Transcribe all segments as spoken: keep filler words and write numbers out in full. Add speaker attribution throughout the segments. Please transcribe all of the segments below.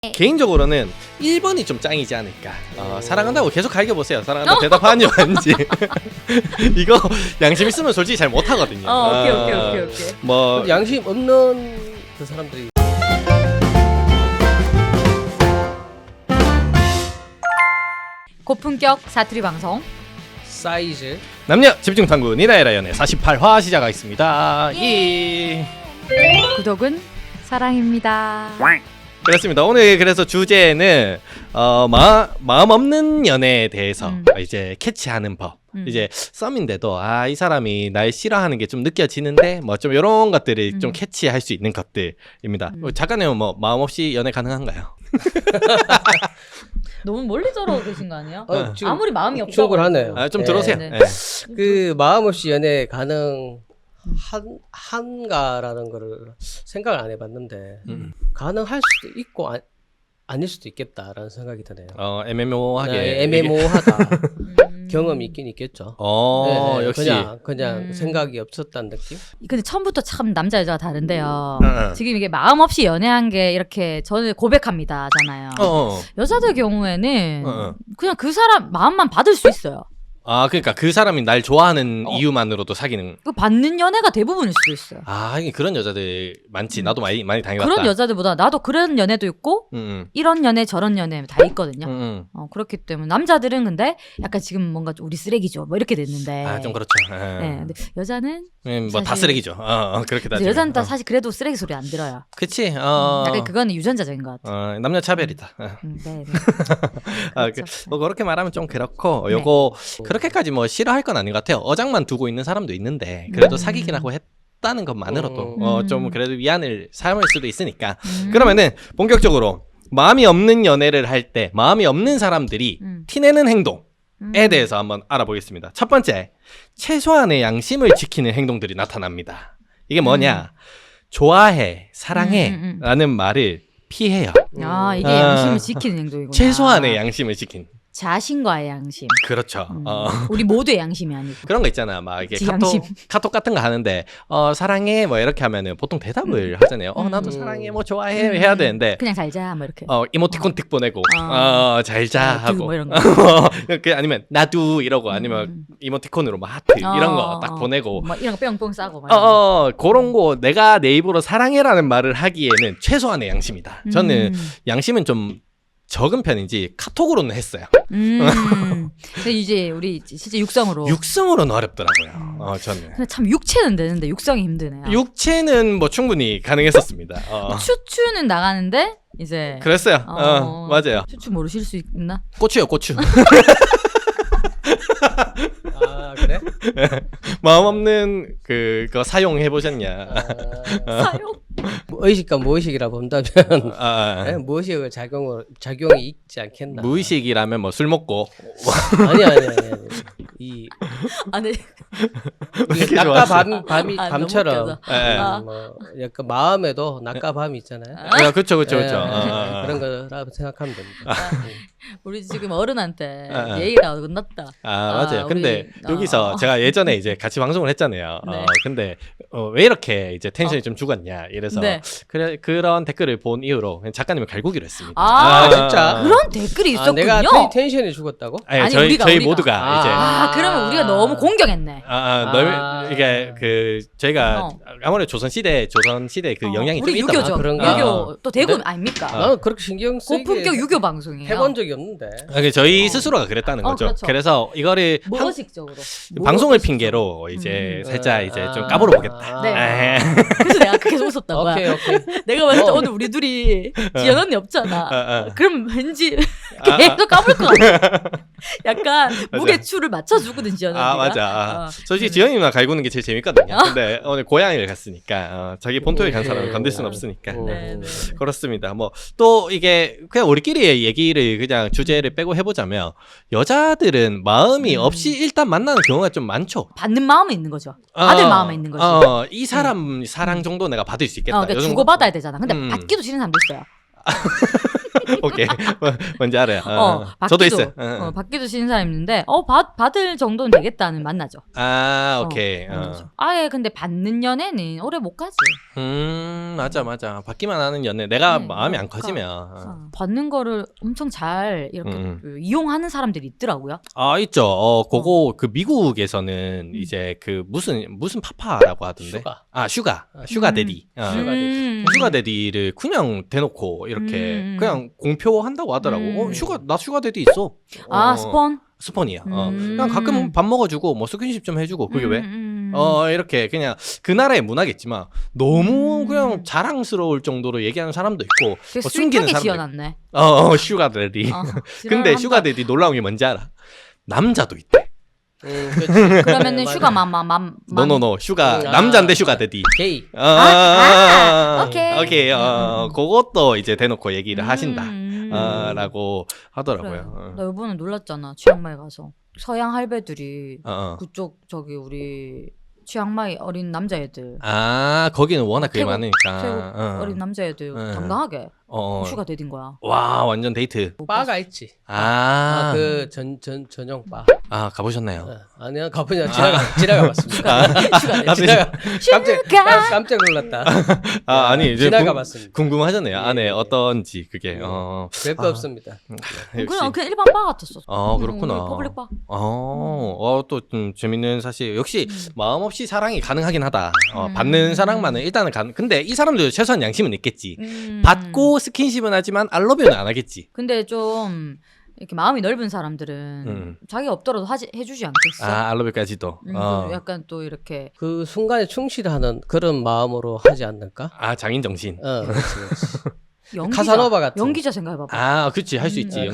Speaker 1: 개인적으로는 일 번이 좀 짱이지 않을까. 어, 사랑한다고 계속 갈겨보세요. 사랑한다 대답하니 왠지 이거 양심 있으면 솔직히 잘 못하거든요.
Speaker 2: 어, 오케이,
Speaker 1: 어,
Speaker 2: 오케이, 오케이, 오케이.
Speaker 1: 뭐
Speaker 3: 양심 없는 그 사람들이
Speaker 2: 고품격 사투리 방송
Speaker 3: 사이즈
Speaker 1: 남녀 집중 탐구 니나의 연애 사십팔 화 시작하겠습니다. 예.
Speaker 2: 구독은 사랑입니다.
Speaker 1: 그렇습니다. 오늘 그래서 주제는 어, 마, 마음 없는 연애에 대해서
Speaker 2: 음.
Speaker 1: 이제 캐치하는 법.
Speaker 2: 음.
Speaker 1: 이제 썸인데도 아, 이 사람이 날 싫어하는 게 좀 느껴지는데 뭐 좀 이런 것들을
Speaker 2: 음.
Speaker 1: 좀 캐치할 수 있는 것들입니다.
Speaker 2: 음.
Speaker 1: 어, 작가님은 뭐 마음 없이 연애 가능한가요?
Speaker 2: 너무 멀리 저러고 계신 거 아니에요?
Speaker 3: 어, 지금
Speaker 2: 아무리 마음이 없다고
Speaker 3: 충분하네요.
Speaker 1: 아, 좀
Speaker 3: 네.
Speaker 1: 들어오세요.
Speaker 2: 네.
Speaker 1: 예.
Speaker 3: 그 마음 없이 연애 가능 한 한가라는 거를 생각을 안 해봤는데
Speaker 1: 음.
Speaker 3: 가능할 수도 있고 아, 아닐 수도 있겠다라는 생각이 드네요.
Speaker 1: 어, 애매모호하게
Speaker 3: 네, 애매모호하다.
Speaker 2: 음.
Speaker 3: 경험이 있긴 있겠죠.
Speaker 1: 어,
Speaker 3: 네,
Speaker 1: 역시.
Speaker 3: 그냥 그냥
Speaker 2: 음.
Speaker 3: 생각이 없었다는 느낌.
Speaker 2: 근데 처음부터 참 남자 여자가 다른데요.
Speaker 1: 응.
Speaker 2: 지금 이게 마음 없이 연애한 게 이렇게 저는 고백합니다잖아요.
Speaker 1: 어, 어.
Speaker 2: 여자들 경우에는
Speaker 1: 어, 어.
Speaker 2: 그냥 그 사람 마음만 받을 수 있어요.
Speaker 1: 아, 그러니까 그 사람이 날 좋아하는
Speaker 2: 어.
Speaker 1: 이유만으로도 사귀는.
Speaker 2: 그 받는 연애가 대부분일 수도 있어요.
Speaker 1: 아, 하긴 그런 여자들 많지.
Speaker 2: 음.
Speaker 1: 나도 많이 많이 당해봤다.
Speaker 2: 그런 여자들보다 나도 그런 연애도 있고
Speaker 1: 응,
Speaker 2: 이런 연애 저런 연애 다 있거든요.
Speaker 1: 응, 응.
Speaker 2: 어, 그렇기 때문에 남자들은 근데 약간 지금 뭔가 좀 우리 쓰레기죠 뭐 이렇게 됐는데
Speaker 1: 아, 좀 그렇죠. 예.
Speaker 2: 네, 근데 여자는
Speaker 1: 뭐 다
Speaker 2: 사실-
Speaker 1: 쓰레기죠. 어, 어, 그렇게
Speaker 2: 이제
Speaker 1: 따지면.
Speaker 2: 여자는 다
Speaker 1: 어.
Speaker 2: 사실 그래도 쓰레기 소리 안 들어요.
Speaker 1: 그치. 어.
Speaker 2: 약간 그거는 유전자적인 것 같아.
Speaker 1: 어, 남녀 차별이다. 어.
Speaker 2: 음, 네, 네.
Speaker 1: 아, 그,
Speaker 2: 그렇죠.
Speaker 1: 뭐 그렇게 말하면 좀 그렇고
Speaker 2: 네.
Speaker 1: 요거 그렇게까지 뭐 싫어할 건 아닌 것 같아요. 어장만 두고 있는 사람도 있는데 그래도
Speaker 2: 음.
Speaker 1: 사귀긴 하고 했다는 것만으로도
Speaker 3: 음.
Speaker 1: 어, 좀 그래도 위안을 삼을 수도 있으니까.
Speaker 2: 음.
Speaker 1: 그러면은 본격적으로 마음이 없는 연애를 할 때 마음이 없는 사람들이
Speaker 2: 음.
Speaker 1: 티내는 행동에
Speaker 2: 음.
Speaker 1: 대해서 한번 알아보겠습니다. 첫 번째, 최소한의 양심을 지키는 행동들이 나타납니다. 이게 뭐냐? 좋아해, 사랑해
Speaker 2: 음, 음, 음.
Speaker 1: 라는 말을 피해요.
Speaker 2: 아 이게
Speaker 1: 아.
Speaker 2: 양심을 지키는 행동이구나.
Speaker 1: 최소한의 양심을 지킨.
Speaker 2: 자신과의 양심.
Speaker 1: 그렇죠.
Speaker 2: 음.
Speaker 1: 어.
Speaker 2: 우리 모두의 양심이 아니고.
Speaker 1: 그런 거 있잖아. 막 이게
Speaker 2: 지양심.
Speaker 1: 카톡, 카톡 같은 거 하는데 어 사랑해 뭐 이렇게 하면은 보통 대답을 하잖아요. 어 나도
Speaker 3: 음.
Speaker 1: 사랑해 뭐 좋아해
Speaker 2: 음.
Speaker 1: 해야 되는데
Speaker 2: 그냥 잘자 뭐 이렇게.
Speaker 1: 어 이모티콘 틱 보내고
Speaker 2: 어.
Speaker 1: 어 잘자
Speaker 2: 아,
Speaker 1: 하고
Speaker 2: 뭐 이런 거.
Speaker 1: 그 아니면 나도 이러고 아니면
Speaker 2: 음.
Speaker 1: 이모티콘으로 뭐 하트 이런
Speaker 2: 어,
Speaker 1: 거 딱
Speaker 2: 어.
Speaker 1: 보내고
Speaker 2: 뭐 이런 거 뿅뿅 싸고. 막
Speaker 1: 어,
Speaker 2: 이런 거.
Speaker 1: 어 그런 거 내가 내 입으로 사랑해라는 말을 하기에는 최소한의 양심이다. 저는
Speaker 2: 음.
Speaker 1: 양심은 좀 적은 편인지 카톡으로는 했어요.
Speaker 2: 음. 근데 이제 우리 진짜 육성으로.
Speaker 1: 육성으로는 어렵더라고요. 어 저는.
Speaker 2: 근데 참 육체는 되는데 육성이 힘드네요.
Speaker 1: 육체는 뭐 충분히 가능했었습니다. 어.
Speaker 2: 추추는 나가는데 이제.
Speaker 1: 그랬어요. 어,
Speaker 2: 어,
Speaker 1: 맞아요.
Speaker 2: 추추 모르실 수 있나?
Speaker 1: 고추요, 고추.
Speaker 3: 아 그래?
Speaker 1: 마음 없는 그거 사용해 보셨냐?
Speaker 3: 아,
Speaker 2: 사용.
Speaker 3: 뭐 의식과 무의식이라 본다면
Speaker 1: 아,
Speaker 3: 네, 무의식을 작용을 작용이 있지 않겠나?
Speaker 1: 무의식이라면 뭐 술 먹고
Speaker 3: 아니 아니 아니. 아니. 이
Speaker 2: 아니.
Speaker 1: 이렇게
Speaker 3: 낮과
Speaker 1: 좋았어.
Speaker 3: 밤 밤이
Speaker 2: 아, 너무
Speaker 3: 밤처럼
Speaker 2: 웃겨서.
Speaker 1: 예, 예.
Speaker 2: 아.
Speaker 3: 뭐 약간 마음에도 낮과 밤이 있잖아요.
Speaker 1: 아, 그렇죠, 그렇죠, 그렇죠.
Speaker 3: 예,
Speaker 1: 아, 아, 아.
Speaker 3: 그런 거라고 생각하면 됩니다.
Speaker 2: 우리 지금 어른한테
Speaker 1: 아, 아.
Speaker 2: 예의가 끝났다.
Speaker 1: 아,
Speaker 2: 아,
Speaker 1: 맞아요. 근데
Speaker 2: 우리-
Speaker 1: 여기서
Speaker 2: 어.
Speaker 1: 제가 예전에 이제 같이 방송을 했잖아요.
Speaker 2: 네.
Speaker 1: 어, 근데 어, 왜 이렇게 이제 텐션이 좀 죽었냐 이래서
Speaker 2: 네.
Speaker 1: 그래 그런 댓글을 본 이후로 그냥 작가님을 갈구기로 했습니다.
Speaker 2: 아,
Speaker 3: 진짜?
Speaker 2: 그런 댓글이
Speaker 3: 아,
Speaker 2: 있었군요.
Speaker 3: 내가 텐- 텐션이 죽었다고?
Speaker 1: 아니,
Speaker 2: 아니,
Speaker 1: 저희
Speaker 2: 우리가,
Speaker 1: 저희
Speaker 2: 우리가.
Speaker 1: 모두가
Speaker 3: 아.
Speaker 1: 이제
Speaker 2: 아, 그러면 우리가 너무 공경했네.
Speaker 1: 아, 아, 넓
Speaker 3: 아.
Speaker 1: 이게 그 저희가
Speaker 2: 어.
Speaker 1: 아무래도 조선 시대 조선 시대 그
Speaker 2: 어,
Speaker 1: 영향이 좀
Speaker 2: 우리
Speaker 1: 있다.
Speaker 2: 유교죠.
Speaker 3: 아, 그런가?
Speaker 2: 유교 또 대구
Speaker 3: 네?
Speaker 2: 아닙니까?
Speaker 3: 나는 그렇게 신경 쓰게
Speaker 2: 고품격 유교 방송이에요.
Speaker 3: 해본 적이 없는데.
Speaker 1: 아, 그 저희
Speaker 2: 어.
Speaker 1: 스스로가 그랬다는
Speaker 2: 어,
Speaker 1: 거죠.
Speaker 2: 그렇죠.
Speaker 1: 그래서 이거를 한-
Speaker 2: 무의식적으로.
Speaker 1: 방송을 핑계로 이제
Speaker 2: 음.
Speaker 1: 살짝 이제 좀
Speaker 3: 아.
Speaker 1: 까불어 보겠다.
Speaker 2: 네.
Speaker 1: 에.
Speaker 2: 그래서 내가 그게 웃었던 거야.
Speaker 3: 오케이 오케이.
Speaker 2: 내가 봤을 때
Speaker 3: 어.
Speaker 2: 오늘 우리 둘이 지연 언니 없잖아.
Speaker 1: 어, 어.
Speaker 2: 그럼 왠지
Speaker 1: 아,
Speaker 2: 계속 까불 것 같아. 약간 무게추를 맞춰주거든 지연 언니가.
Speaker 1: 아 맞아. 아,
Speaker 2: 어.
Speaker 1: 솔직히
Speaker 2: 음.
Speaker 1: 지현이 누나 갈구는 게 제일 재밌거든요.
Speaker 2: 어.
Speaker 1: 근데 오늘 고향을 갔으니까 어, 자기 본토에 간 사람을
Speaker 3: 네.
Speaker 1: 건들 순 없으니까.
Speaker 3: 어.
Speaker 2: 네, 네.
Speaker 1: 그렇습니다. 뭐 또 이게 그냥 우리끼리의 얘기를 그냥 주제를 빼고 해보자면 여자들은 마음이
Speaker 2: 음.
Speaker 1: 없이 일단 만나는 경우가 좀 많죠.
Speaker 2: 받는 마음에 있는 거죠. 받을
Speaker 1: 어,
Speaker 2: 마음에 있는 거지.
Speaker 1: 어, 이 사람 사랑 정도 내가 받을 수 있겠다.
Speaker 2: 어, 그러니까
Speaker 1: 요 정도.
Speaker 2: 주고 받아야 되잖아. 근데
Speaker 1: 음.
Speaker 2: 받기도 싫은 사람도 있어요.
Speaker 1: 오케이. 뭐, 뭔지 알아요. 어,
Speaker 2: 어,
Speaker 1: 저도
Speaker 2: 받기도,
Speaker 1: 있어요. 어.
Speaker 2: 어, 받기도 싫은 사람 있는데 어 받, 받을 정도는 되겠다는 만나죠.
Speaker 1: 아, 오케이.
Speaker 2: 어,
Speaker 1: 어.
Speaker 2: 만나죠. 아예 근데 받는 연애는 오래 못 가지.
Speaker 1: 음, 맞아, 맞아. 받기만 하는 연애. 내가
Speaker 2: 네,
Speaker 1: 마음이 안
Speaker 2: 그러니까.
Speaker 1: 커지면. 어.
Speaker 2: 어, 받는 거를 엄청 잘 이렇게
Speaker 1: 음.
Speaker 2: 그 이용하는 사람들이 있더라고요.
Speaker 1: 아, 있죠. 어, 그거 그 미국에서는 이제 그 무슨 무슨 파파라고 하던데.
Speaker 3: 슈가.
Speaker 1: 아, 슈가. 슈가
Speaker 2: 음.
Speaker 1: 데디. 어.
Speaker 3: 슈가 데디.
Speaker 2: 음.
Speaker 1: 슈가 데디를 그냥 대놓고 이렇게
Speaker 2: 음.
Speaker 1: 그냥 공표한다고 하더라고.
Speaker 2: 음.
Speaker 1: 어, 슈가 나 슈가 데디 있어.
Speaker 2: 아
Speaker 1: 어,
Speaker 2: 스폰?
Speaker 1: 스폰이야. 어.
Speaker 2: 음.
Speaker 1: 그냥 가끔 밥 먹어주고 뭐 스킨십 좀 해주고 그게 왜?
Speaker 2: 음.
Speaker 1: 어 이렇게 그냥 그 나라의 문화겠지만 너무
Speaker 2: 음.
Speaker 1: 그냥 자랑스러울 정도로 얘기하는 사람도 있고
Speaker 2: 되게
Speaker 1: 뭐 숨기는
Speaker 2: 스윗하게
Speaker 1: 사람도
Speaker 2: 지어놨네.
Speaker 1: 어, 어 슈가 데디.
Speaker 2: 어,
Speaker 1: 근데
Speaker 2: 지랄한다.
Speaker 1: 슈가 데디 놀라운 게 뭔지 알아? 남자도 있대.
Speaker 3: 음, 그치.
Speaker 2: 그러면은
Speaker 3: 네, 맞아.
Speaker 2: 슈가 맘맘맘
Speaker 1: 노노노 슈가
Speaker 3: 음, 아,
Speaker 1: 남자인데 슈가 데디.
Speaker 3: 게이.
Speaker 1: 아,
Speaker 2: 아, 오케이.
Speaker 1: 오케이. 어,
Speaker 2: 음.
Speaker 1: 그것도 이제 대놓고 얘기를
Speaker 2: 음.
Speaker 1: 하신다. 어, 라고 하더라고요.
Speaker 2: 그래.
Speaker 1: 어.
Speaker 2: 나 이번에 놀랐잖아. 치앙마이 가서 서양 할배들이
Speaker 1: 어, 어.
Speaker 2: 그쪽 저기 우리 치앙마이 어린 남자애들
Speaker 1: 아, 거기는 워낙 그게
Speaker 2: 태국,
Speaker 1: 많으니까.
Speaker 2: 태국
Speaker 1: 어.
Speaker 2: 어린 남자애들
Speaker 1: 어.
Speaker 2: 당당하게
Speaker 1: 어.
Speaker 2: 슈가 데딘 거야.
Speaker 1: 와, 완전 데이트.
Speaker 3: 바가 있지.
Speaker 1: 아,
Speaker 3: 아, 그 전 전 전용 바.
Speaker 1: 아, 가보셨나요?
Speaker 3: 어, 아니요, 가보냐 지나가 지나가 봤습니다.
Speaker 2: 슈가 데딘.
Speaker 1: 아,
Speaker 3: 지나가 깜짝 깜- 깜짝 놀랐다.
Speaker 1: 아, 아니, 이제
Speaker 3: 지나가
Speaker 1: 궁-
Speaker 3: 봤습니다.
Speaker 1: 궁금하잖아요.
Speaker 3: 예,
Speaker 1: 안에
Speaker 3: 예.
Speaker 1: 어떤지 그게.
Speaker 3: 예.
Speaker 1: 어.
Speaker 3: 별거
Speaker 1: 아.
Speaker 3: 없습니다.
Speaker 1: 역시.
Speaker 2: 그냥 그냥 일반 바 같았어.
Speaker 1: 어, 그렇구나.
Speaker 2: 음, 퍼블릭 바.
Speaker 1: 어, 어, 또 좀 재밌는 사실. 역시
Speaker 2: 음.
Speaker 1: 마음 없이 사랑이 가능하긴 하다. 어,
Speaker 2: 음.
Speaker 1: 받는 사랑만은 일단은 가. 근데 이 사람들 최소한 양심은 있겠지.
Speaker 2: 음.
Speaker 1: 받고 스킨십은 하지만 알러뷰는 안 하겠지.
Speaker 2: 근데 좀 이렇게 마음이 넓은 사람들은
Speaker 1: 음.
Speaker 2: 자기가 없더라도 하지 해주지 않겠어.
Speaker 1: 아, 알러뷰까지도.
Speaker 2: 음,
Speaker 1: 어.
Speaker 2: 또 약간 또 이렇게
Speaker 3: 그 순간에 충실하는 그런 마음으로 하지 않을까?
Speaker 1: 아, 장인 정신.
Speaker 3: 어, 그렇지, 그렇지.
Speaker 2: 연기자,
Speaker 3: 카사노바 같은.
Speaker 2: 연기자 생각해봐봐.
Speaker 1: 아, 그치. 할 수
Speaker 2: 음.
Speaker 1: 있지.
Speaker 3: 어,
Speaker 1: 연기자.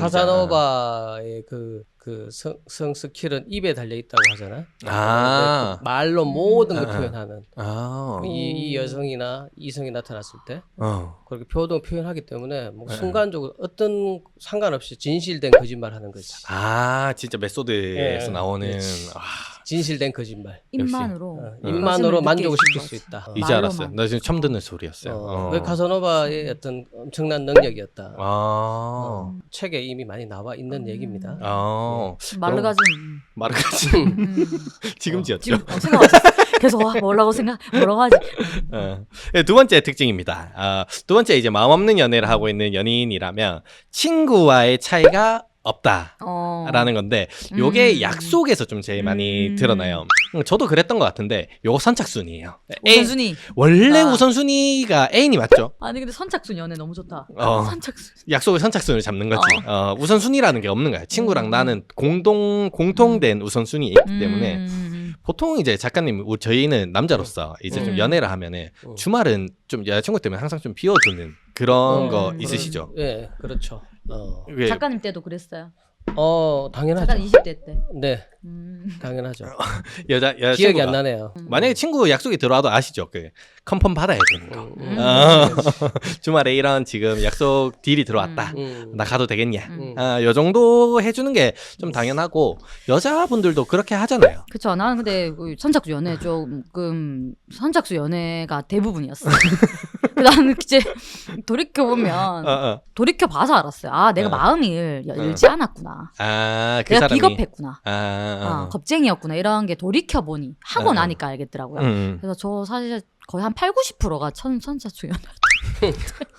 Speaker 3: 카사노바의 그, 그 성, 성 스킬은 입에 달려 있다고 하잖아.
Speaker 1: 아.
Speaker 3: 그 말로 모든 걸
Speaker 1: 아, 아.
Speaker 3: 표현하는.
Speaker 1: 아.
Speaker 3: 이, 이 여성이나 이성이 나타났을 때
Speaker 1: 어.
Speaker 3: 그렇게 표동 표현하기 때문에 뭐
Speaker 1: 네.
Speaker 3: 순간적으로 어떤 상관없이 진실된 거짓말 하는 거지.
Speaker 1: 아, 진짜 메소드에서
Speaker 3: 예,
Speaker 1: 나오는.
Speaker 3: 그렇지.
Speaker 1: 아,
Speaker 3: 진실된 거짓말.
Speaker 2: 입만으로
Speaker 3: 어,
Speaker 1: 음.
Speaker 3: 입만으로
Speaker 2: 가슴을
Speaker 3: 만족시킬
Speaker 2: 느끼게
Speaker 3: 수
Speaker 2: 해준
Speaker 3: 있다.
Speaker 2: 거지.
Speaker 1: 이제 알았어요.
Speaker 2: 말로만.
Speaker 1: 나 지금 처음 듣는 소리였어요.
Speaker 3: 어,
Speaker 1: 어.
Speaker 3: 그 카사노바의 어떤 엄청난 능력이었다.
Speaker 1: 아.
Speaker 3: 어, 책에 이미 많이 나와 있는
Speaker 2: 음.
Speaker 3: 얘기입니다.
Speaker 1: 아.
Speaker 2: 마르가즘.
Speaker 1: 마르가지.
Speaker 2: 음.
Speaker 1: 지금
Speaker 2: 어,
Speaker 1: 지었죠.
Speaker 2: 지금 어, 생각 없었어. 계속 와 뭐라고 생각 뭐라고 하지.
Speaker 1: 어. 네, 두 번째 특징입니다. 아, 두 번째 이제 마음 없는 연애를 하고 있는 연인이라면 친구와의 차이가 없다.
Speaker 2: 어.
Speaker 1: 라는 건데 요게
Speaker 2: 음.
Speaker 1: 약속에서 좀 제일 많이
Speaker 2: 음.
Speaker 1: 드러나요. 음, 저도 그랬던 것 같은데 요거 선착순이에요. 애-
Speaker 2: 우선순위.
Speaker 1: 원래
Speaker 2: 아.
Speaker 1: 우선순위가 애인이 맞죠?
Speaker 2: 아니 근데 선착순 연애 너무 좋다.
Speaker 1: 어.
Speaker 2: 선착순.
Speaker 1: 약속을 선착순을 잡는 거지. 어, 우선순위라는 게 없는 거야. 친구랑
Speaker 2: 음.
Speaker 1: 나는 공동 공통된 우선순위에 있기 때문에
Speaker 2: 음.
Speaker 1: 보통 이제 작가님 우- 저희는 남자로서 이제 좀
Speaker 2: 음.
Speaker 1: 연애를 하면은
Speaker 3: 어.
Speaker 1: 주말은 좀 여자친구 때문에 항상 좀 비워두는 그런
Speaker 3: 어,
Speaker 1: 거
Speaker 2: 그런-
Speaker 1: 있으시죠?
Speaker 3: 예, 그렇죠. 어,
Speaker 1: 왜-
Speaker 2: 작가님 때도 그랬어요.
Speaker 3: 어 당연하죠.
Speaker 2: 작가님 이십 대 때.
Speaker 3: 네,
Speaker 2: 음.
Speaker 3: 당연하죠.
Speaker 1: 여자 여자
Speaker 3: 기억이 안
Speaker 1: 친구가
Speaker 3: 나네요.
Speaker 1: 만약에 친구 약속이 들어와도 아시죠? 그 컨펌 받아야 되는 거.
Speaker 3: 음,
Speaker 2: 음.
Speaker 1: 어. 주말에 이런 지금 약속 딜이 들어왔다.
Speaker 3: 음.
Speaker 1: 나 가도 되겠냐?
Speaker 2: 음.
Speaker 1: 아, 요 정도 해주는 게 좀 당연하고 여자분들도 그렇게 하잖아요.
Speaker 2: 그쵸. 나는 근데 그 선착순 연애 조금 선착순 연애가 대부분이었어. 나는 이제 돌이켜 보면
Speaker 1: 어, 어.
Speaker 2: 돌이켜 봐서 알았어요. 아 내가
Speaker 1: 어.
Speaker 2: 마음이 열- 열지 않았구나.
Speaker 1: 아, 그
Speaker 2: 내가
Speaker 1: 사람이
Speaker 2: 비겁했구나.
Speaker 1: 아, 아,
Speaker 2: 아, 겁쟁이였구나. 이런 게 돌이켜 보니 하고
Speaker 1: 어.
Speaker 2: 나니까 알겠더라고요.
Speaker 1: 음.
Speaker 2: 그래서 저 사실 거의 한 팔, 구십 퍼센트가 천 선착순 연애.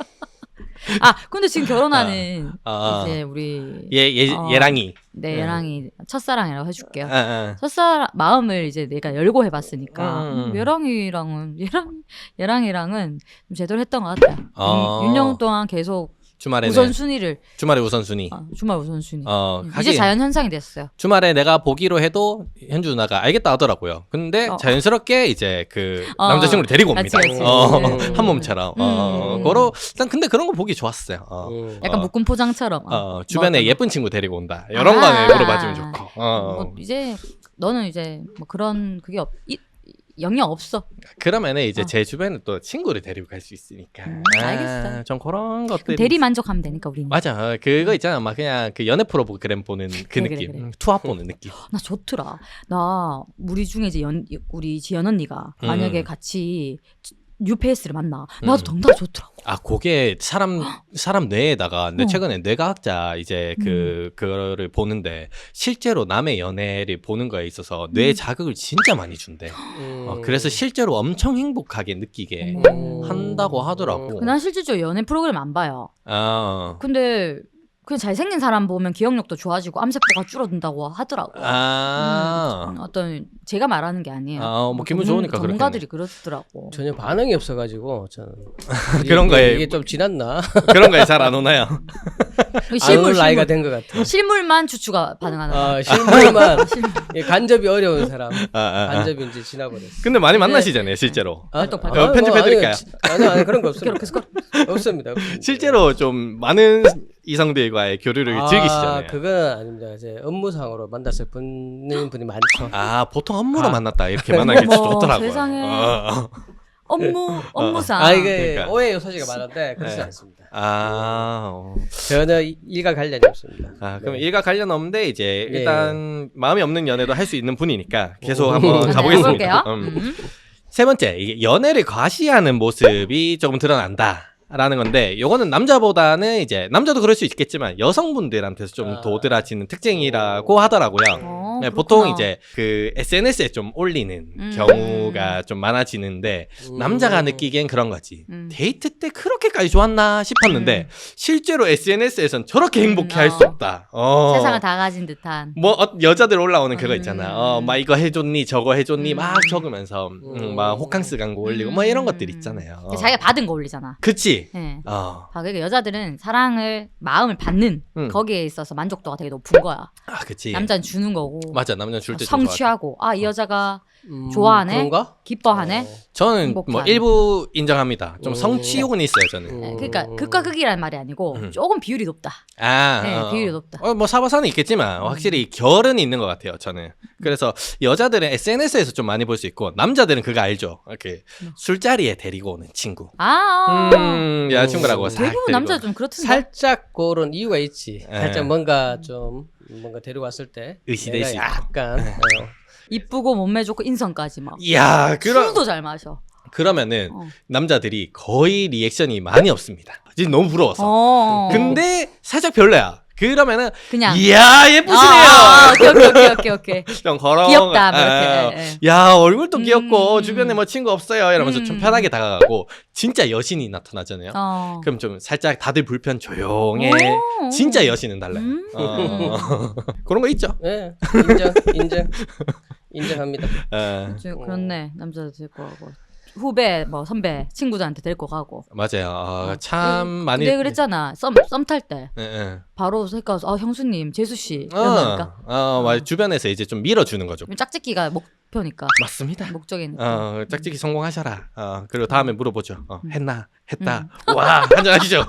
Speaker 2: 아 근데 지금 결혼하는
Speaker 1: 아,
Speaker 2: 이제 우리
Speaker 1: 얘, 얘,
Speaker 2: 어.
Speaker 1: 얘랑이.
Speaker 2: 내
Speaker 1: 음.
Speaker 2: 얘랑이 첫사랑이라고 해줄게요.
Speaker 1: 아, 아.
Speaker 2: 첫사랑 마음을 이제 내가 열고 해봤으니까
Speaker 1: 음, 음.
Speaker 2: 음, 얘랑이랑은 얘랑 얘랑이랑은 좀 제대로 했던 것 같아요.
Speaker 1: 어.
Speaker 2: 육 년 동안 계속
Speaker 1: 주말에는
Speaker 2: 우선순위를
Speaker 1: 주말에 우선순위.
Speaker 2: 아, 주말 우선순위.
Speaker 1: 어,
Speaker 2: 음,
Speaker 1: 하긴
Speaker 2: 이제 자연 현상이 됐어요.
Speaker 1: 주말에 내가 보기로 해도 현주 누나가 알겠다 하더라고요. 근데
Speaker 2: 어.
Speaker 1: 자연스럽게 이제 그
Speaker 2: 어.
Speaker 1: 남자친구를 데리고
Speaker 2: 같이,
Speaker 1: 옵니다.
Speaker 2: 같이.
Speaker 1: 어,
Speaker 3: 음.
Speaker 1: 한 몸처럼. 어,
Speaker 2: 음.
Speaker 1: 그러 일단 근데 그런 거 보기 좋았어요. 어.
Speaker 3: 음.
Speaker 2: 약간
Speaker 1: 어.
Speaker 2: 묶음 포장처럼. 어.
Speaker 1: 어, 주변에
Speaker 2: 뭐 어떤
Speaker 1: 예쁜 친구 데리고 온다. 이런
Speaker 2: 아.
Speaker 1: 거는 물어봐주면 좋고. 어.
Speaker 2: 뭐 이제 너는 이제 뭐 그런 그게 없 이, 영영 없어.
Speaker 1: 그러면은 이제
Speaker 2: 어.
Speaker 1: 제 주변에 또 친구를 데리고 갈 수 있으니까.
Speaker 2: 음,
Speaker 1: 아,
Speaker 2: 알겠어.
Speaker 1: 좀 그런 것들.
Speaker 2: 대리 만족하면 되니까 우리는.
Speaker 1: 맞아. 그거 있잖아. 막 그냥 그 연애 프로그램 보는 그
Speaker 2: 그래,
Speaker 1: 느낌.
Speaker 2: 그래, 그래.
Speaker 1: 음, 투합 보는 느낌.
Speaker 2: 나 좋더라. 나 우리 중에 이제 연 우리 지연 언니가
Speaker 1: 음.
Speaker 2: 만약에 같이 뉴페이스를 만나. 나도
Speaker 1: 음.
Speaker 2: 덩달아 좋더라고.
Speaker 1: 아, 그게 사람 사람 뇌에다가 내
Speaker 2: 어.
Speaker 1: 최근에 뇌과학자 이제 그 그거를 보는데 실제로 남의 연애를 보는 거에 있어서 뇌 자극을 진짜 많이 준대.
Speaker 3: 음.
Speaker 1: 어, 그래서 실제로 엄청 행복하게 느끼게
Speaker 2: 어머.
Speaker 1: 한다고 하더라고.
Speaker 2: 난 실질적으로 연애 프로그램 안 봐요.
Speaker 1: 아,
Speaker 2: 근데 그냥 잘생긴 사람 보면 기억력도 좋아지고 암세포가 줄어든다고 하더라고요.
Speaker 1: 아,
Speaker 2: 음, 어떤 제가 말하는 게 아니에요.
Speaker 1: 아, 뭐 기분
Speaker 2: 전문-
Speaker 1: 좋으니까
Speaker 2: 전문가들이 그러더라고.
Speaker 3: 전혀 반응이 없어가지고 저는
Speaker 1: 그런
Speaker 3: 이게-
Speaker 1: 거에-
Speaker 3: 이게 좀 지났나?
Speaker 1: 그런 거에 잘 안 오나요?
Speaker 2: 그
Speaker 3: 안
Speaker 2: 실물
Speaker 3: 올 나이가
Speaker 2: 실물
Speaker 3: 된 것 같아.
Speaker 2: 실물만 추추가 반응하는 거.
Speaker 3: 아, 실물만 예, 간접이 어려운 사람.
Speaker 1: 아, 아, 아.
Speaker 3: 간접이 이제 지나버렸어.
Speaker 1: 근데 많이 만나시잖아요, 실제로.
Speaker 3: 아,
Speaker 2: 활동,
Speaker 3: 아,
Speaker 2: 활동.
Speaker 1: 어, 편집해드릴까요?
Speaker 3: 아니, 아니, 아니 그런 거 없습니다.
Speaker 2: 그렇게
Speaker 3: 없습니다. 없습니다.
Speaker 1: 실제로 좀 많은 이성들과의 교류를
Speaker 3: 아,
Speaker 1: 즐기시잖아요.
Speaker 3: 그건 아닙니다. 이제 업무상으로 만났을 분인 분이 많죠.
Speaker 1: 아, 보통 업무로
Speaker 3: 아.
Speaker 1: 만났다 이렇게 만나기
Speaker 2: 어머,
Speaker 1: 좋더라고요.
Speaker 2: 세상에.
Speaker 1: 어.
Speaker 2: 업무 업무상.
Speaker 3: 아 이게
Speaker 1: 그러니까.
Speaker 3: 오해 요소지가 많은데 그렇지
Speaker 1: 네.
Speaker 3: 않습니다.
Speaker 1: 아, 어.
Speaker 3: 전혀 일과 관련이 없습니다.
Speaker 1: 아, 그럼
Speaker 3: 네.
Speaker 1: 일과 관련 없는데 이제
Speaker 3: 예.
Speaker 1: 일단 마음이 없는 연애도 할 수 있는 분이니까 계속
Speaker 3: 오.
Speaker 1: 한번
Speaker 2: 네,
Speaker 1: 가보겠습니다.
Speaker 2: 해볼게요.
Speaker 1: 음.
Speaker 2: 음.
Speaker 1: 세 번째, 이게 연애를 과시하는 모습이 조금 드러난다. 라는 건데 요거는 남자보다는 이제 남자도 그럴 수 있겠지만 여성분들한테서 좀
Speaker 3: 아.
Speaker 1: 도드라지는 특징이라고 하더라고요.
Speaker 2: 어,
Speaker 1: 네,
Speaker 2: 그렇구나.
Speaker 1: 보통 이제 그 에스엔에스에 좀 올리는
Speaker 2: 음.
Speaker 1: 경우가 좀 많아지는데
Speaker 3: 음.
Speaker 1: 남자가 느끼기엔 그런 거지.
Speaker 2: 음.
Speaker 1: 데이트 때 그렇게까지 좋았나 싶었는데
Speaker 2: 음.
Speaker 1: 실제로 에스엔에스에선 저렇게 행복해 할
Speaker 2: 어.
Speaker 1: 수 없다. 어.
Speaker 2: 세상을 다 가진 듯한.
Speaker 1: 뭐 어, 여자들 올라오는 그거 있잖아.
Speaker 2: 음.
Speaker 1: 어, 막 이거 해줬니 저거 해줬니
Speaker 2: 음.
Speaker 1: 막 적으면서 음, 막 호캉스 광고 올리고 뭐 이런 것들 있잖아요. 어.
Speaker 2: 자기가 받은 거 올리잖아.
Speaker 1: 그치.
Speaker 2: 예.
Speaker 1: 어.
Speaker 2: 아, 그러니까 여자들은 사랑을 마음을 받는
Speaker 1: 음.
Speaker 2: 거기에 있어서 만족도가 되게 높은 거야.
Speaker 1: 아, 그치.
Speaker 2: 남자는 주는 거고.
Speaker 1: 맞아, 남자 줄때
Speaker 2: 성취하고 아 이 여자가
Speaker 3: 음,
Speaker 2: 좋아하네?
Speaker 3: 그런가?
Speaker 2: 기뻐하네.
Speaker 3: 어.
Speaker 1: 저는
Speaker 2: 행복한.
Speaker 1: 뭐 일부 인정합니다. 좀
Speaker 3: 음.
Speaker 1: 성취욕은 있어요, 저는.
Speaker 3: 음.
Speaker 2: 예, 그러니까 극과 극이라는 말이 아니고
Speaker 1: 음.
Speaker 2: 조금 비율이 높다.
Speaker 1: 아,
Speaker 2: 네,
Speaker 1: 어.
Speaker 2: 비율이 높다.
Speaker 1: 어, 뭐 사바사는 있겠지만 확실히 결은 있는 것 같아요, 저는. 그래서 여자들은 에스엔에스에서 좀 많이 볼 수 있고 남자들은 그거 알죠. 이렇게
Speaker 2: 뭐.
Speaker 1: 술자리에 데리고 오는 친구.
Speaker 2: 아,
Speaker 1: 음, 여자친구라고
Speaker 3: 음.
Speaker 1: 싹
Speaker 2: 대부분
Speaker 1: 데리고
Speaker 2: 남자
Speaker 1: 오는.
Speaker 2: 좀 그렇던데.
Speaker 3: 살짝 그런 이유가 있지.
Speaker 1: 예.
Speaker 3: 살짝 뭔가 좀 뭔가 데려왔을 때
Speaker 1: 으시대시.
Speaker 3: 내가 약간 어,
Speaker 2: 이쁘고 몸매 좋고 인성까지 막.
Speaker 1: 이야, 그러,
Speaker 2: 술도 잘 마셔.
Speaker 1: 그러면은
Speaker 2: 어.
Speaker 1: 남자들이 거의 리액션이 많이 없습니다. 지금 너무 부러워서.
Speaker 2: 어.
Speaker 1: 근데 살짝 별로야. 그러면은
Speaker 2: 그냥
Speaker 1: 이야 예쁘시네요.
Speaker 2: 아, 아, 오케이 오케이 오케이 오케이 오케이.
Speaker 1: 좀 걸어.
Speaker 2: 귀엽다, 뭐
Speaker 1: 아,
Speaker 2: 이렇게. 예, 예.
Speaker 1: 야 얼굴도 귀엽고
Speaker 2: 음.
Speaker 1: 주변에 뭐 친구 없어요 이러면서 좀
Speaker 2: 음.
Speaker 1: 편하게 다가가고 진짜 여신이 나타나잖아요.
Speaker 2: 어.
Speaker 1: 그럼 좀 살짝 다들 불편 조용해.
Speaker 2: 오.
Speaker 1: 진짜 여신은 달라요.
Speaker 2: 음.
Speaker 1: 어. 그런 거 있죠.
Speaker 3: 예, 인정, 인정, 인정합니다.
Speaker 1: 어,
Speaker 2: 저 그렇네. 남자도 데리고 가고 후배 뭐 선배 친구들한테 데리고 가고.
Speaker 1: 맞아요. 어,
Speaker 2: 어.
Speaker 1: 참 많이.
Speaker 2: 근데 그랬잖아. 썸 썸 탈 때
Speaker 1: 예, 예.
Speaker 2: 바로 색가서 아 형수님 재수 씨
Speaker 1: 어,
Speaker 2: 이런다니까.
Speaker 1: 어, 맞아. 주변에서 이제 좀 밀어주는 거죠.
Speaker 2: 짝짓기가 목표니까
Speaker 1: 맞습니다.
Speaker 2: 목적이니까.
Speaker 1: 어, 짝짓기 성공하셔라. 어, 그리고 다음에 물어보죠. 어,
Speaker 2: 음.
Speaker 1: 했나? 했다. 와, 한잔 하시죠.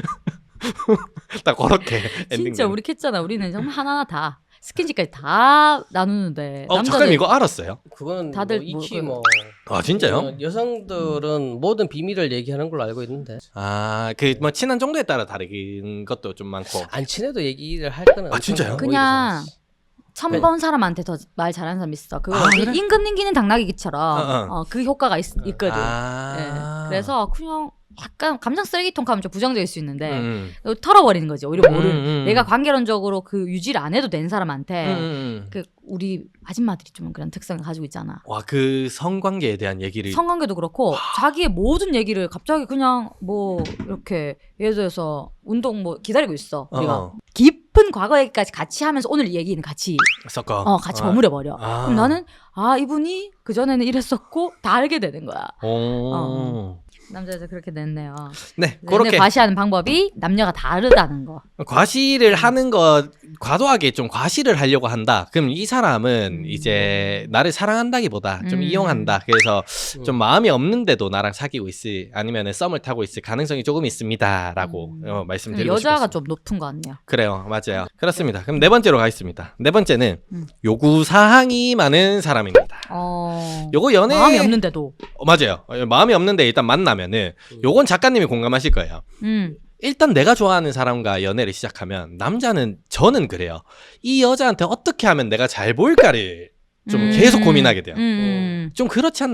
Speaker 1: 딱 그렇게 엔딩.
Speaker 2: 진짜 우리 캤잖아. 우리는 정말 하나하나 다 스킨십까지 다 나누는데
Speaker 1: 어, 잠깐 이거 알았어요?
Speaker 3: 그건
Speaker 2: 다들
Speaker 3: 뭐 익히
Speaker 2: 뭐
Speaker 3: 뭐
Speaker 1: 아, 진짜요?
Speaker 3: 어, 여성들은 모든 비밀을 얘기하는 걸로 알고 있는데
Speaker 1: 아, 그 뭐 친한 정도에 따라 다른 것도 좀 많고.
Speaker 3: 안 친해도 얘기를 할 거는
Speaker 1: 아, 진짜요?
Speaker 2: 그냥 처음
Speaker 1: 네.
Speaker 2: 본 사람한테 더 말 잘하는 사람 있어. 그거
Speaker 1: 아, 그래?
Speaker 2: 임금 님기는 당나귀기처럼
Speaker 1: 어, 어.
Speaker 2: 어, 그 효과가 있, 있거든.
Speaker 1: 아.
Speaker 2: 예. 그래서 그냥 약간 감정 쓰레기통 가면 좀 부정적일 수 있는데
Speaker 1: 음,
Speaker 2: 털어버리는 거지. 오히려 모르는.
Speaker 1: 음, 음.
Speaker 2: 내가 관계론적으로 그 유지를 안 해도 된 사람한테
Speaker 1: 음, 음.
Speaker 2: 그 우리 아줌마들이 좀 그런 특성을 가지고 있잖아.
Speaker 1: 와, 그 성관계에 대한 얘기를.
Speaker 2: 성관계도 그렇고 자기의 모든 얘기를 갑자기 그냥 뭐 이렇게 예를 들어서 운동 뭐 기다리고 있어. 우리가
Speaker 1: 어,
Speaker 2: 깊은 과거 얘기까지 같이 하면서 오늘 이 얘기는 같이
Speaker 1: 섞어.
Speaker 2: 어 같이
Speaker 1: 어.
Speaker 2: 버무려 버려.
Speaker 1: 아.
Speaker 2: 그럼 나는 아 이분이 그 전에는 이랬었고 다 알게 되는 거야.
Speaker 1: 오.
Speaker 2: 어. 남자들 그렇게 됐네요.
Speaker 1: 네,
Speaker 2: 연애
Speaker 1: 그렇게
Speaker 2: 과시하는 방법이 남녀가 다르다는 거.
Speaker 1: 과시를 하는 것 과도하게 좀 과시를 하려고 한다. 그럼 이 사람은
Speaker 2: 음.
Speaker 1: 이제 나를 사랑한다기보다 좀
Speaker 2: 음.
Speaker 1: 이용한다. 그래서
Speaker 3: 음.
Speaker 1: 좀 마음이 없는데도 나랑 사귀고 있을 아니면은 썸을 타고 있을 가능성이 조금 있습니다라고
Speaker 2: 음.
Speaker 1: 어, 말씀드리고
Speaker 2: 여자가
Speaker 1: 싶었습니다.
Speaker 2: 좀 높은 거 같네요.
Speaker 1: 그래요, 맞아요. 그렇습니다. 그럼 네 번째로 가겠습니다. 네 번째는
Speaker 2: 음.
Speaker 1: 요구 사항이 많은 사람입니다.
Speaker 2: 어.
Speaker 1: 요거 연애
Speaker 2: 마음이 없는데도.
Speaker 1: 어, 맞아요. 어, 마음이 없는데 일단 만나면은 요건 작가님이 공감하실 거예요.
Speaker 2: 음.
Speaker 1: 일단 내가 좋아하는 사람과 연애를 시작하면 남자는 저는 그래요. 이 여자한테 어떻게 하면 내가 잘 보일까를 좀
Speaker 2: 음.
Speaker 1: 계속 고민하게 돼요.
Speaker 2: 음.
Speaker 1: 좀 그렇지 않나요?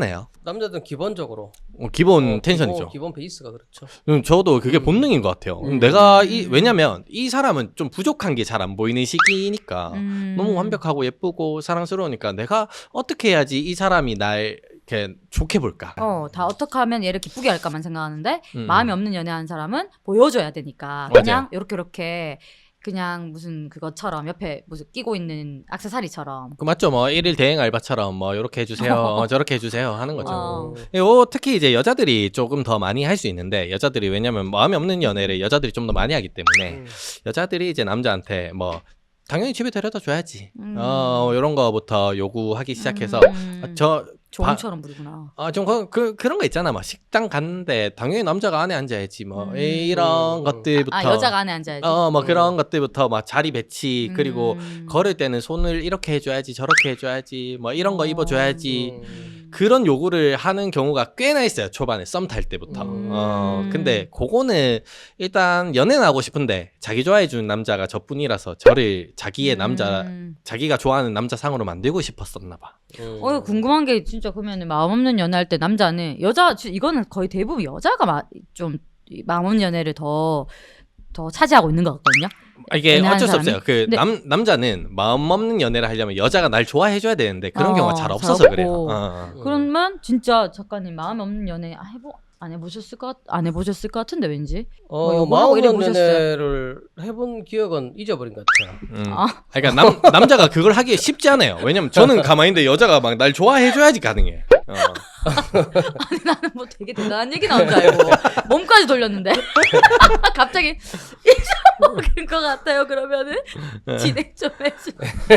Speaker 3: 남자들은 기본적으로
Speaker 1: 어, 기본
Speaker 3: 어,
Speaker 1: 텐션이죠.
Speaker 3: 기본, 기본 베이스가 그렇죠.
Speaker 1: 음, 저도 그게
Speaker 3: 음.
Speaker 1: 본능인 것 같아요.
Speaker 3: 음.
Speaker 1: 내가 이 왜냐면 이 사람은 좀 부족한 게 잘 안 보이는 시기니까
Speaker 2: 음.
Speaker 1: 너무 완벽하고 예쁘고 사랑스러우니까 내가 어떻게 해야지 이 사람이 날 이렇게 좋게 볼까?
Speaker 2: 어, 다 어떻게 하면 얘를 기쁘게 할까만 생각하는데
Speaker 1: 음.
Speaker 2: 마음이 없는 연애하는 사람은 보여줘야 되니까
Speaker 1: 맞아요.
Speaker 2: 그냥 이렇게 이렇게 그냥 무슨 그것처럼 옆에 무슨 끼고 있는 액세서리처럼
Speaker 1: 그 맞죠? 뭐 일일 대행 알바처럼 뭐 이렇게 해주세요, 어, 저렇게 해주세요 하는 거죠.
Speaker 2: 어.
Speaker 1: 요 특히 이제 여자들이 조금 더 많이 할 수 있는데 여자들이 왜냐면 마음이 없는 연애를 여자들이 좀 더 많이 하기 때문에
Speaker 3: 음.
Speaker 1: 여자들이 이제 남자한테 뭐 당연히 집에 데려다 줘야지.
Speaker 2: 음.
Speaker 1: 어 이런 거부터 요구하기 시작해서
Speaker 2: 음.
Speaker 1: 아, 저
Speaker 2: 조언처럼 부리구나.
Speaker 1: 아, 좀, 그, 그, 그런 거 있잖아. 막, 식당 갔는데, 당연히 남자가 안에 앉아야지. 뭐,
Speaker 2: 음.
Speaker 1: 이런
Speaker 3: 음.
Speaker 1: 것들부터.
Speaker 2: 아 여자가 안에 앉아야지.
Speaker 1: 어, 뭐,
Speaker 3: 음.
Speaker 1: 그런 것들부터, 막, 자리 배치, 그리고,
Speaker 2: 음.
Speaker 1: 걸을 때는 손을 이렇게 해줘야지, 저렇게 해줘야지, 뭐, 이런 거
Speaker 2: 어.
Speaker 1: 입어줘야지.
Speaker 3: 음.
Speaker 1: 그런 요구를 하는 경우가 꽤나 있어요. 초반에 썸 탈 때부터.
Speaker 3: 음.
Speaker 1: 어, 근데, 그거는, 일단, 연애는 하고 싶은데, 자기 좋아해주는 남자가 저뿐이라서, 저를 자기의 남자,
Speaker 2: 음.
Speaker 1: 자기가 좋아하는 남자 상으로 만들고 싶었었나 봐.
Speaker 3: 음.
Speaker 2: 어 궁금한 게 진짜 그러면 마음 없는 연애할 때 남자는 여자 지- 이거는 거의 대부분 여자가 마, 좀 마음 없는 연애를 더 더 차지하고 있는 것 같거든요.
Speaker 1: 아, 이게
Speaker 2: 연애하는
Speaker 1: 어쩔 수
Speaker 2: 사람이?
Speaker 1: 없어요. 그
Speaker 2: 근데-
Speaker 1: 남 남자는 마음 없는 연애를 하려면 여자가 날 좋아해줘야 되는데 그런
Speaker 2: 어,
Speaker 1: 경우가 잘
Speaker 2: 잘
Speaker 1: 없어서
Speaker 2: 없고.
Speaker 1: 그래요. 어, 어.
Speaker 3: 음.
Speaker 2: 그러면 진짜 작가님 마음 없는 연애 아, 해보 안 해보셨을 것 같- 안 해보셨을 것 같은데 왠지. 뭐
Speaker 3: 어,
Speaker 2: 요거하고
Speaker 3: 마음
Speaker 2: 이래
Speaker 3: 없는
Speaker 2: 보셨어요?
Speaker 3: 연애를 해본 기억은 잊어버린 것 같아요.
Speaker 1: 음.
Speaker 2: 아.
Speaker 1: 그러니까 남 남자가 그걸 하기 쉽지 않아요. 왜냐면 저는 가만히 있는데 여자가 막 날 좋아해줘야지 가능해. 어.
Speaker 2: 아니 나는 뭐 되게 대단한 얘기 나온 줄 알고 몸까지 돌렸는데 갑자기 잊어먹은 것 같아요. 그러면은 진행 좀 해주.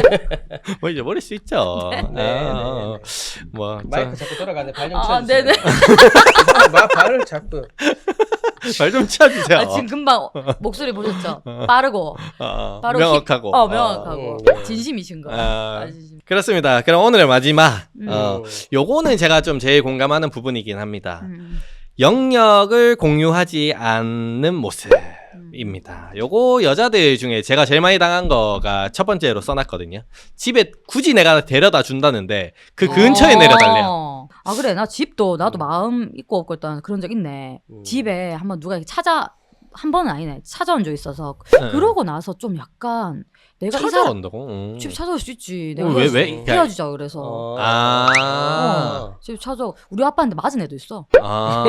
Speaker 1: 뭐 잊어버릴 수 있죠.
Speaker 2: 네.
Speaker 3: 네,
Speaker 1: 아, 어,
Speaker 3: 네,
Speaker 1: 뭐
Speaker 3: 마이크 자꾸 돌아가네. 발 좀
Speaker 2: 아
Speaker 3: 쳐주세요.
Speaker 2: 네네.
Speaker 3: 마, 발을 자꾸.
Speaker 1: 발 좀 쳐주세요.
Speaker 2: 아, 지금 금방 목소리 보셨죠? 빠르고
Speaker 1: 어,
Speaker 2: 바로
Speaker 1: 명확하고.
Speaker 2: 힙- 어 명확하고
Speaker 3: 어, 네.
Speaker 2: 진심이신 거.
Speaker 1: 아.
Speaker 2: 아, 진심.
Speaker 1: 그렇습니다. 그럼 오늘의 마지막.
Speaker 2: 음.
Speaker 1: 어, 요거는 제가 좀 제일 공감하는 부분이긴 합니다.
Speaker 2: 음.
Speaker 1: 영역을 공유하지 않는 모습입니다. 요거 여자들 중에 제가 제일 많이 당한 거가 첫 번째로 써놨거든요. 집에 굳이 내가 데려다 준다는데 그 근처에
Speaker 2: 어.
Speaker 1: 내려달래요.
Speaker 2: 아 그래 나 집도 나도
Speaker 3: 음.
Speaker 2: 마음 있고 없고 일단 그런 적 있네.
Speaker 3: 음.
Speaker 2: 집에 한번 누가 이렇게 찾아 한 번은 아니네 찾아온 적 있어서
Speaker 1: 응.
Speaker 2: 그러고 나서 좀 약간 내가 이 사람
Speaker 1: 찾아온다고? 응.
Speaker 2: 집 찾아올 수 있지.
Speaker 1: 어,
Speaker 2: 내가
Speaker 1: 왜,
Speaker 2: 헤어지-
Speaker 1: 왜?
Speaker 2: 헤어지자 그래서
Speaker 3: 어.
Speaker 1: 아.
Speaker 2: 어, 집 찾아. 우리 아빠한테 맞은 애도 있어.
Speaker 1: 아.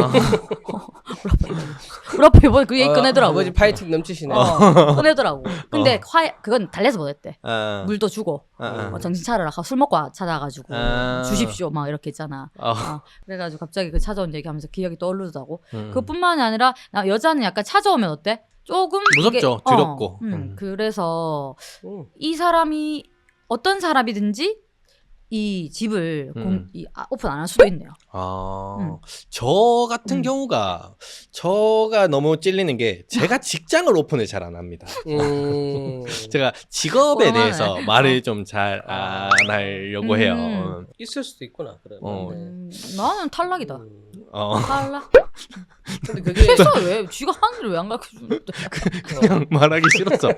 Speaker 2: 우리 아빠 이번에 그 얘기 꺼내더라고.
Speaker 3: 아버지 파이팅 넘치시네.
Speaker 2: 어, 꺼내더라고. 근데
Speaker 1: 어.
Speaker 2: 화 그건 달래서 못했대.
Speaker 1: 아.
Speaker 2: 물도 주고
Speaker 1: 아.
Speaker 2: 어, 정신 차려라. 술 먹고 와- 찾아가지고
Speaker 1: 아.
Speaker 2: 주십시오 막 이렇게 있잖아.
Speaker 1: 어.
Speaker 2: 어, 그래가지고 갑자기 그 찾아온 얘기하면서 기억이 떠오르더라고.
Speaker 1: 음.
Speaker 2: 그뿐만이 아니라 나 여자는 약간 찾아오면 어때? 조금
Speaker 1: 무섭죠.
Speaker 2: 이게- 어,
Speaker 1: 두렵고.
Speaker 2: 음,
Speaker 1: 음.
Speaker 2: 그래서
Speaker 3: 음.
Speaker 2: 이 사람이 어떤 사람이든지 이 집을
Speaker 1: 음.
Speaker 2: 공, 이, 아, 오픈 안 할 수도 있네요.
Speaker 1: 아,
Speaker 2: 음.
Speaker 1: 저 같은
Speaker 2: 음.
Speaker 1: 경우가 저가 너무 찔리는 게 제가 직장을 오픈을 잘 안 합니다.
Speaker 3: 음.
Speaker 1: 제가 직업에
Speaker 2: 꼴만해.
Speaker 1: 대해서 말을 좀 잘 안 하려고 해요.
Speaker 2: 음.
Speaker 3: 있을 수도 있구나. 그러면.
Speaker 1: 어.
Speaker 3: 네.
Speaker 2: 음, 나는 탈락이다.
Speaker 3: 음.
Speaker 1: 어,
Speaker 2: 탈락?
Speaker 3: 근데 그게
Speaker 2: 회사 왜? 쥐가 하는 일을 왜 안 가르쳐주는데?
Speaker 1: 그냥 말하기 싫어서.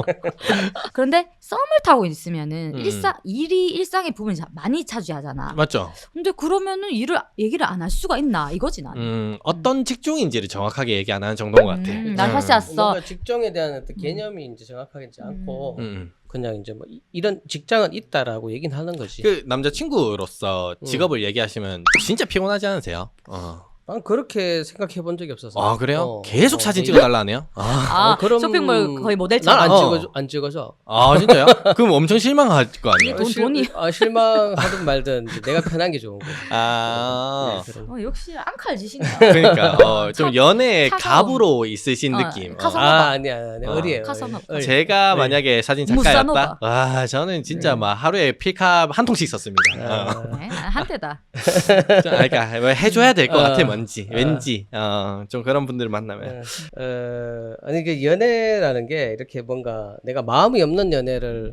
Speaker 2: 그런데 썸을 타고 있으면은
Speaker 1: 음.
Speaker 2: 일상 일이 일상의 부분이 자- 많이 차지하잖아.
Speaker 1: 맞죠?
Speaker 2: 근데 그러면은 일을 얘기를 안 할 수가 있나 이거지 난.
Speaker 1: 음, 어떤 직종인지를 정확하게 얘기 안 하는 정도인 것 같아.
Speaker 2: 음, 난
Speaker 1: 음.
Speaker 2: 사실 왔어.
Speaker 3: 뭔가 직종에 대한 어떤 개념이 이제 정확하게 있지 않고
Speaker 1: 음.
Speaker 3: 그냥 이제 뭐 이- 이런 직장은 있다라고 얘기는 하는 거지.
Speaker 1: 그 남자친구로서
Speaker 3: 음.
Speaker 1: 직업을 얘기하시면 진짜 피곤하지 않으세요? 어.
Speaker 3: 난 그렇게 생각해 본 적이 없어서.
Speaker 1: 아, 그래요?
Speaker 3: 어,
Speaker 1: 계속
Speaker 3: 어,
Speaker 1: 사진
Speaker 3: 네.
Speaker 1: 찍어달라네요? 아,
Speaker 2: 아
Speaker 3: 어, 그럼
Speaker 2: 쇼핑몰 거의 모델처럼.
Speaker 3: 난안
Speaker 1: 어.
Speaker 3: 찍어줘, 안 찍어줘.
Speaker 1: 아 진짜요? 그럼 엄청 실망할 거 아니에요?
Speaker 2: 돈,
Speaker 3: 실-
Speaker 2: 돈이.
Speaker 3: 아, 실망하든 말든 이제 내가 편한 게 좋은 거.
Speaker 1: 아.
Speaker 3: 네, 그런.
Speaker 2: 어, 역시 앙칼지신다.
Speaker 1: 그러니까 어, 좀
Speaker 2: 차-
Speaker 1: 연애
Speaker 2: 차가운-
Speaker 1: 갑으로 있으신
Speaker 2: 어,
Speaker 1: 느낌.
Speaker 2: 카사-
Speaker 1: 어.
Speaker 3: 아 아니야, 아니야.
Speaker 1: 어.
Speaker 3: 어리에요.
Speaker 2: 카사노바.
Speaker 3: 어리.
Speaker 1: 제가
Speaker 3: 어리.
Speaker 1: 만약에 사진
Speaker 2: 무사노바.
Speaker 1: 작가였다. 와 저는 진짜 막 하루에 필카 한 통씩 썼습니다. 어.
Speaker 3: 아,
Speaker 2: 네, 한때다.
Speaker 1: 좀, 아, 그러니까 뭐 해줘야 될 것
Speaker 3: 어.
Speaker 1: 같아 뭔지
Speaker 3: 어.
Speaker 1: 왠지 어, 좀 그런 분들을 만나면.
Speaker 3: 어, 어, 아니 그 연애라는 게 이렇게 뭔가 내가 마음이 없는 연애를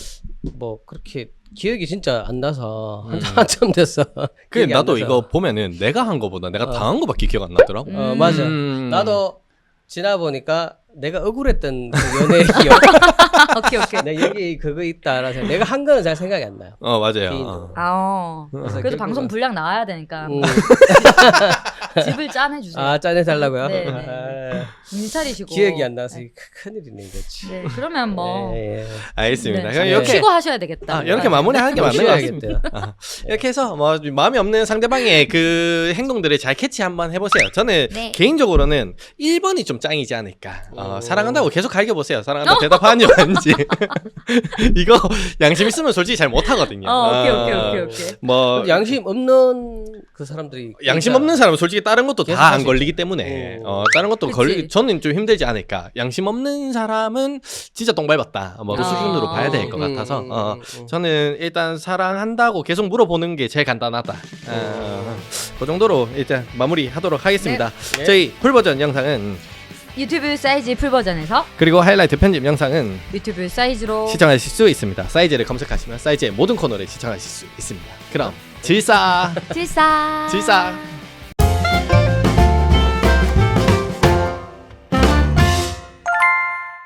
Speaker 3: 뭐 그렇게 기억이 진짜 안 나서
Speaker 1: 음.
Speaker 3: 한참 됐어.
Speaker 1: 그
Speaker 3: 기억이 안
Speaker 1: 나도
Speaker 3: 나서.
Speaker 1: 이거 보면은 내가 한 거보다 내가
Speaker 3: 어.
Speaker 1: 당한 거밖에 기억 안 나더라고.
Speaker 2: 음.
Speaker 3: 어 맞아.
Speaker 1: 음.
Speaker 3: 나도 지나 보니까 내가 억울했던 그 연애 기억.
Speaker 2: 오케이 오케이.
Speaker 3: 내가 여기 그거 있다라서 내가 한 거는 잘 생각이 안 나요.
Speaker 1: 어 맞아요.
Speaker 3: 개인적으로.
Speaker 1: 어.
Speaker 2: 아, 어.
Speaker 3: 그래서
Speaker 2: 그래도
Speaker 3: 결국은-
Speaker 2: 방송 분량 나와야 되니까
Speaker 3: 음.
Speaker 2: 집을 짠해 주세요.
Speaker 3: 아 짜내 달라고요?
Speaker 2: 네, 네.
Speaker 3: 아,
Speaker 2: 정신 차리시고.
Speaker 3: 기억이 안 나서
Speaker 2: 네.
Speaker 3: 큰일이네 이거지.
Speaker 2: 네, 그러면 뭐
Speaker 3: 예, 예.
Speaker 1: 알겠습니다.
Speaker 2: 네,
Speaker 1: 그럼
Speaker 3: 네.
Speaker 1: 이렇게
Speaker 2: 쉬고 하셔야 되겠다.
Speaker 1: 아, 이렇게 마무리하는 게 맞는 것 같습니다.
Speaker 3: 쉬어야겠대요.
Speaker 1: 아, 이렇게 해서 뭐 마음에 없는 상대방의 그 행동들을 잘 캐치 한번 해보세요. 저는
Speaker 2: 네.
Speaker 1: 개인적으로는 일 번이 좀 짱이지 않을까. 어,
Speaker 3: 오.
Speaker 1: 사랑한다고 계속 갈겨보세요. 사랑한다고 대답하는지 아닌지. 이거 양심 있으면 솔직히 잘 못하거든요.
Speaker 2: 어, 오케이
Speaker 1: 어,
Speaker 2: 오케이 오케이 오케이.
Speaker 1: 뭐
Speaker 3: 양심 없는 그 사람들이
Speaker 1: 양심
Speaker 3: 진짜
Speaker 1: 없는 사람은 솔직히 다른 것도
Speaker 3: 계속
Speaker 1: 다
Speaker 3: 할
Speaker 1: 안
Speaker 3: 수
Speaker 1: 걸리기
Speaker 3: 있죠.
Speaker 1: 때문에
Speaker 3: 오.
Speaker 1: 어, 다른 것도
Speaker 2: 그치.
Speaker 1: 걸리 저는 좀 힘들지 않을까. 양심 없는 사람은 진짜 똥 밟았다. 뭐 그
Speaker 2: 아.
Speaker 1: 수준으로 봐야 될 것
Speaker 3: 음,
Speaker 1: 같아서
Speaker 3: 음,
Speaker 1: 어,
Speaker 3: 음, 음.
Speaker 1: 저는 일단 사랑한다고 계속 물어보는 게 제일 간단하다. 어, 그 정도로 일단 마무리하도록 하겠습니다.
Speaker 3: 네.
Speaker 1: 저희 풀 버전 영상은
Speaker 2: 유튜브 사이즈 풀 버전에서
Speaker 1: 그리고 하이라이트 편집 영상은
Speaker 2: 유튜브 사이즈로
Speaker 1: 시청하실 수 있습니다. 사이즈를 검색하시면 사이즈의 모든 코너를 시청하실 수 있습니다. 그럼 질사
Speaker 2: 질사
Speaker 1: 질사